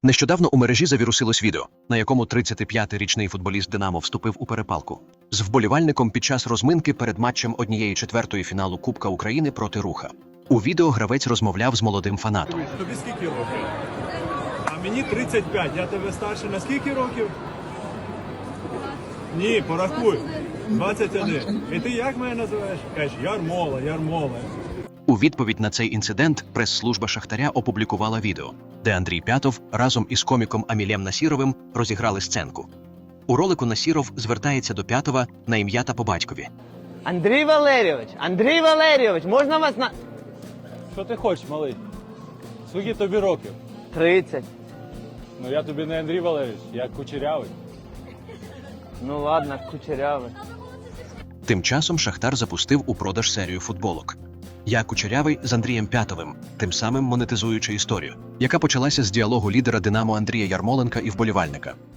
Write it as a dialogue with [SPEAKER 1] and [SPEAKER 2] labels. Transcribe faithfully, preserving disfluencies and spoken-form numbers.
[SPEAKER 1] Нещодавно у мережі завірусилось відео, на якому тридцятип'ятирічний футболіст «Динамо» вступив у перепалку з вболівальником під час розминки перед матчем однієї четвертої фіналу Кубка України проти «Руха». У відео гравець розмовляв з молодим фанатом.
[SPEAKER 2] Тобі скільки років? А мені тридцять п'ять. Я тебе старше на скільки років? Ні, порахуй. двадцять один. І ти як мене називаєш? Кажеш, Ярмола, Ярмола.
[SPEAKER 1] У відповідь на цей інцидент прес-служба «Шахтаря» опублікувала відео, де Андрій П'ятов разом із коміком Амілем Насіровим розіграли сценку. У ролику Насіров звертається до П'ятова на ім'я та по батькові.
[SPEAKER 3] Андрій Валерійович, Андрій Валерійович, можна вас на...
[SPEAKER 4] Що ти хочеш, малий? Скільки тобі років?
[SPEAKER 3] тридцять.
[SPEAKER 4] Ну я тобі не Андрій Валерійович, я Кучерявий.
[SPEAKER 3] Ну ладно, кучерявий.
[SPEAKER 1] Тим часом «Шахтар» запустив у продаж серію футболок. «Я Кучерявий» з Андрієм П'ятовим, тим самим монетизуючи історію, яка почалася з діалогу лідера «Динамо» Андрія Ярмоленка і вболівальника.